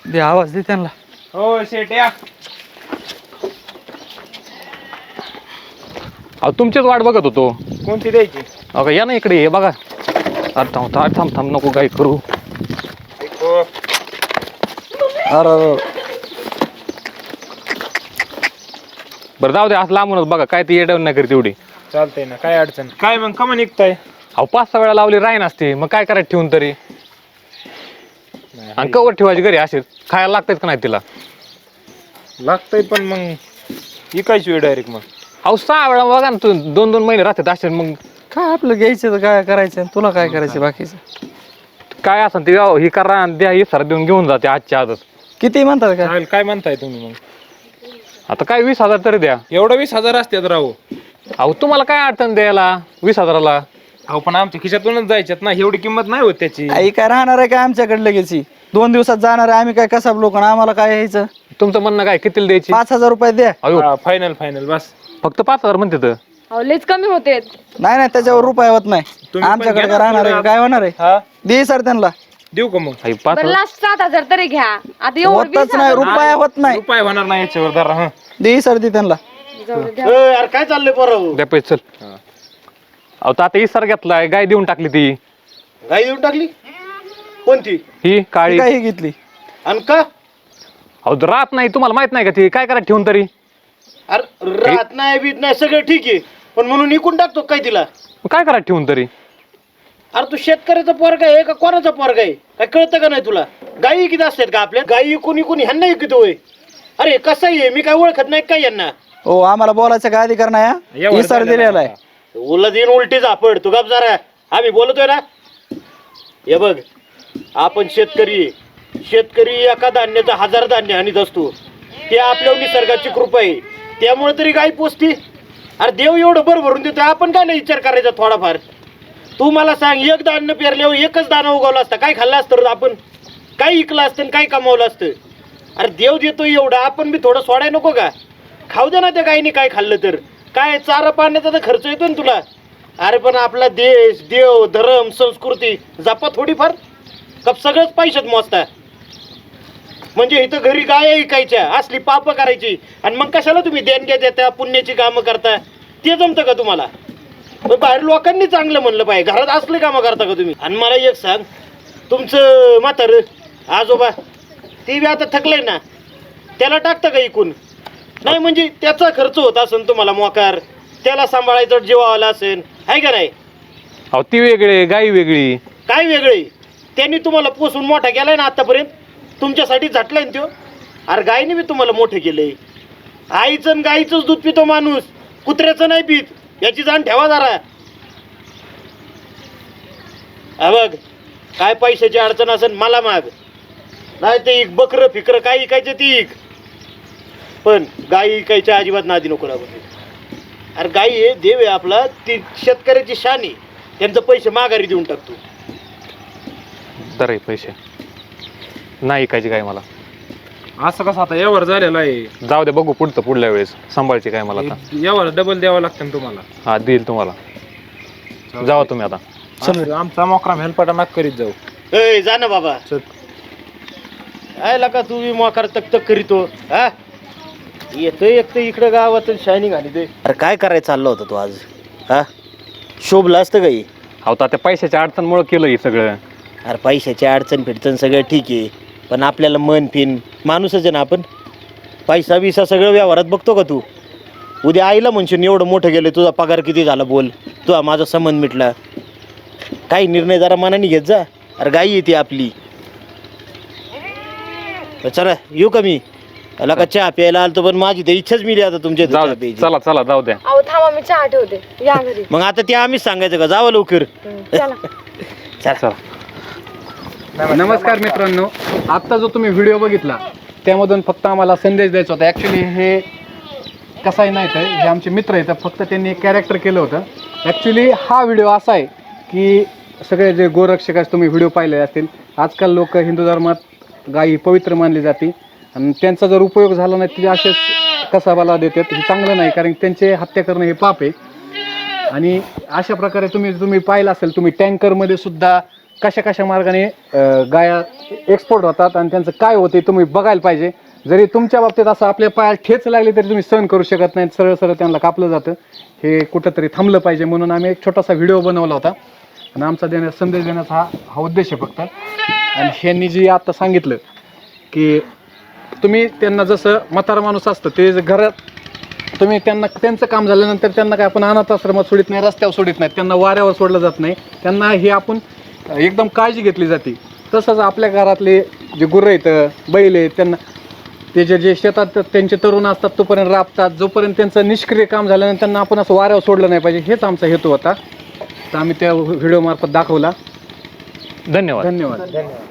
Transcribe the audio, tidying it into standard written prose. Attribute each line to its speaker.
Speaker 1: दे आवाज दे त्यांना.
Speaker 2: हो शेट या.
Speaker 3: अहो तुमचीच वाट बघत होतो.
Speaker 2: कोणती द्यायची?
Speaker 3: अगं या ना इकडे हे बघा. अरे थांब थांब नको काय करू.
Speaker 1: अरे
Speaker 3: बरं जाऊ दे असं लांबूनच बघा काय ती येडवण नाही करी तेवढी.
Speaker 2: चालतंय ना, काय अडचण काय मग कमा निघताय?
Speaker 3: अहो 5-6 वेळा लावली राही नसते मग काय करायचं ठेवून तरी. आणि कवर ठेवायची घरी असेच खायला लागतात का नाही तिला?
Speaker 2: लागतंय पण मग विकायची वेळ डायरेक्ट मग.
Speaker 3: अहो 6 वेळा बघा ना तू 2-2 महिने राहतात असे मग
Speaker 1: काय आपलं घ्यायचं तर काय करायचं, तुला काय करायचं बाकीचं?
Speaker 3: काय असं ते ही करा आणि द्या ही सर देऊन घेऊन जाते आजच्या आजच.
Speaker 1: किती म्हणतात काय?
Speaker 2: चालेल, काय म्हणताय तुम्ही मग?
Speaker 3: आता काय 20,000 तरी द्या.
Speaker 2: एवढं 20,000 असतात राहू.
Speaker 3: अहो तुम्हाला काय अडचण द्यायला 20,000ला?
Speaker 2: अहो पण आमच्या खिशातूनच जायच्यात ना, एवढी किंमत नाही होत त्याची.
Speaker 1: आई काय राहणार आहे काय आमच्याकडे लगेच? 2 दिवसात जाणार आहे आम्ही, काय कसाब लोक आम्हाला काय यायचं?
Speaker 3: तुमचं म्हणणं काय कितीला द्यायची?
Speaker 1: 5,000 रुपये द्या.
Speaker 3: अयो
Speaker 2: फायनल फायनल बस.
Speaker 3: फक्त 5,000 म्हणते तर.
Speaker 4: अहो लयच कमी होते.
Speaker 1: नाही नाही त्याच्यावर रुपये होत नाही.
Speaker 2: तुम्ही पण
Speaker 1: आमच्याकडे
Speaker 2: घ्या
Speaker 1: काय
Speaker 2: ना
Speaker 1: राहणार आहे
Speaker 2: थोडं.
Speaker 1: काय होणार आहे?
Speaker 2: हा
Speaker 1: दे सर त्यांना.
Speaker 2: देऊ का मग?
Speaker 3: आई
Speaker 4: बरं
Speaker 3: 5,000
Speaker 4: लास्ट 7,000 तरी घ्या. आता एवढं
Speaker 1: होतच नाही, रुपया होत नाही.
Speaker 2: रुपये होणार नाही याच्यावर जरा. हा
Speaker 1: दे सर दे त्यांना.
Speaker 5: यार काय चाललंय पोरं?
Speaker 3: द्या पैसे चल. अहो तर आता इसार घेतलाय गाय देऊन टाकली ती.
Speaker 5: गाई देऊन टाकली? कोणती?
Speaker 3: ही काळी.
Speaker 1: काय ही घेतली?
Speaker 5: आणि का?
Speaker 3: अहो राहत नाही तुम्हाला माहित नाही का ती काय करा ठेवून तरी.
Speaker 5: अरे राहत नाही बीत नाही सगळं ठीक आहे, पण म्हणून इकून टाकतो काय तिला?
Speaker 3: मग काय करा ठेवून तरी.
Speaker 5: अरे तू शेतकऱ्याचा पोरगा आहे का कोणाचा पोरगा आहे? काय कळतं का नाही तुला? गाई किती असतात का आपल्या? गाई इकून इकून ह्यांना इकतोय. अरे कसं आहे, मी काय ओळखत नाही काय यांना?
Speaker 1: हो आम्हाला बोलायचं काय अधिकार नाही.
Speaker 2: एवढं
Speaker 1: ही सर
Speaker 2: झालं
Speaker 1: दिलेला आहे.
Speaker 5: उलट येईन उलटी झापड. तू गप जरा, आम्ही बोलतोय ना. हे बघ आपण शेतकरी आहे. शेतकरी एका धान्याचं 1000 धान्य आणत असतो. ते आपल्यावर निसर्गाची कृपा आहे, त्यामुळे तरी गाय पोचती. अरे देव एवढं भर भरून देतो, आपण काय नाही विचार करायचा थोडाफार? तू मला सांग, एक धान्य पेरल्यावर एकच दाणा उगवला असता, काय खाल्लं असतं आपण? काय विकलं असतं आणि काय कमावलं असतं? अरे देव देतो एवढं, आपण बी थोडं सोडाय नको का? खाऊ दे ना त्या गायीने काय खाल्लं तर. काय चारा पाण्याचा तर खर्च येतो ना तुला. अरे पण आपला देश, देव, धर्म, संस्कृती जपा थोडीफार. कप सगळंच पैशात मोजता. म्हणजे इथं घरी गाय ऐकायच्या असली पाप करायची, आणि मग कशाला तुम्ही देणग्या देता, पुण्याची कामं करता? ते जमतं का तुम्हाला? मग बाहेर लोकांनी चांगलं म्हणलं पाहिजे, घरात असले कामं करता का तुम्ही? आणि मला एक सांग, तुमचं म्हातारं आजोबा ते बी आता थकलंय ना, त्याला टाकता का इकून? नाही म्हणजे त्याचा खर्च होत असेल तुम्हाला मोकार, त्याला सांभाळायचं जीवावाला असेल, आहे का नाही?
Speaker 3: अहो ती वेगळी गाई वेगळी.
Speaker 5: काय वेगळे? त्यांनी तुम्हाला पोसून मोठा केलाय ना आतापर्यंत, तुमच्यासाठी झटलाय ना त्यो. अरे गायने बी तुम्हाला मोठं केलंय. आईचं आणि गाईचंच दूध पितो माणूस, कुत्र्याचं नाही पित, याची जाण ठेवा जरा. हा बघ, काय पैशाची अडचण असेल मला माग, नाही ते इक बकरं फिकरं काय इकायचं ती इक, पण गाई इकायच्या अजिबात नादी नको लागू. अरे गाई आहे देव आहे आपला, ती शेतकऱ्याची शान आहे, त्यांचं पैसे माघारी देऊन टाकतो.
Speaker 3: दर आहे पैसे नाही ऐकायची काय मला.
Speaker 2: असं कसं आता यावर झालेलं आहे.
Speaker 3: जाऊ दे बघू पुढचं पुढल्या वेळेस सांभाळची काय मला आता.
Speaker 2: यावर डबल द्यावं लागतं ना तुम्हाला.
Speaker 3: हा देईल तुम्हाला. जावा तुम्ही आता.
Speaker 2: आमचा मोकरा हेलपाटा नाक करीत जाऊ.
Speaker 5: ए जा ना बाबा.
Speaker 2: चल.
Speaker 5: आयला का तू मोकार तक तक करीतो? हा येतोय एक तर इकडं गावात शायनिंग आली ते. अरे काय करायचं चाललं होतं तू आज? हा शोभलं असतं काही?
Speaker 3: अहो तर त्या पैशाच्या अडचणमुळे केलं हे सगळं.
Speaker 5: अरे पैशाची अडचण फिडचण सगळं ठीक आहे, पण आपल्याला मन फिन माणूसच आहे ना आपण. पैसा बिसा सगळं व्यवहारात बघतो का तू? उद्या आईला म्हणशील एवढं मोठं गेलं, तुझा पगार किती झाला बोल, तुझा माझा संबंध मिटला. काही निर्णय जरा मनाने घेत जा. अरे गाई येते आपली. चला येऊ का मी? त्याला का चहा प्यायला आलतो, पण माझी तर इच्छाच मिली आता तुमच्या इथं
Speaker 3: जाऊ
Speaker 5: चहा
Speaker 3: दे
Speaker 5: प्यायची.
Speaker 3: चला चला जाऊ द्या.
Speaker 4: अहो थांबा मी चहा ठेवते, या घरी.
Speaker 5: मग आता ते आम्हीच सांगायचं का? जावं लवकर.
Speaker 4: चला.
Speaker 3: चला. नमस्कार मित्रांनो, आत्ता जो तुम्ही व्हिडिओ बघितला त्यामधून फक्त आम्हाला संदेश द्यायचा होता. ॲक्च्युली हे कसंही नाही तर हे आमचे मित्र आहेत, फक्त त्यांनी एक कॅरेक्टर केलं होतं. ॲक्च्युली हा व्हिडिओ असा आहे की सगळे जे गोरक्षक तुम्ही व्हिडिओ पाहिले असतील, आजकाल लोक हिंदू धर्मात गायी पवित्र मानली जाते आणि त्यांचा जर उपयोग झाला नाही ते असेच कसाबाला देतात. हे चांगलं नाही, कारण त्यांचे हत्या करणं हे पाप आहे. आणि अशा प्रकारे तुम्ही पाहिलं असेल, तुम्ही टँकरमध्ये सुद्धा कशा कशा मार्गाने गाया एक्सपोर्ट होतात आणि त्यांचं काय होते तुम्ही बघायला पाहिजे. जरी तुमच्या बाबतीत असं आपल्या पायात ठेच लागली तरी तुम्ही सहन करू शकत नाही, सरळ सरळ त्यांना कापलं जातं. हे कुठंतरी थांबलं पाहिजे म्हणून आम्ही एक छोटासा व्हिडिओ बनवला होता आणि आमचा संदेश देण्याचा हा उद्देश आहे फक्त. आणि ह्यांनी जी आता सांगितलं की तुम्ही त्यांना जसं म्हातारा माणूस असतं ते घरात तुम्ही त्यांना त्यांचं काम झाल्यानंतर त्यांना काय आपण अनाथ आश्रमात सोडित नाही, रस्त्यावर सोडित नाही, त्यांना वाऱ्यावर सोडलं जात नाही, त्यांना हे आपण एकदम काळजी घेतली जाते. तसंच आपल्या घरातले जे गुरं आहेत बैल आहेत त्यांना ते जे शेतात त्यांचे तरुण असतात तोपर्यंत राबतात, जोपर्यंत त्यांचं निष्क्रिय काम झाल्यानंतर त्यांना आपण असं वाऱ्यावर सोडलं नाही पाहिजे, हेच आमचा हेतू होता. तर आम्ही त्या व्हिडिओ मार्फत दाखवला.
Speaker 6: धन्यवाद.
Speaker 3: धन्यवाद.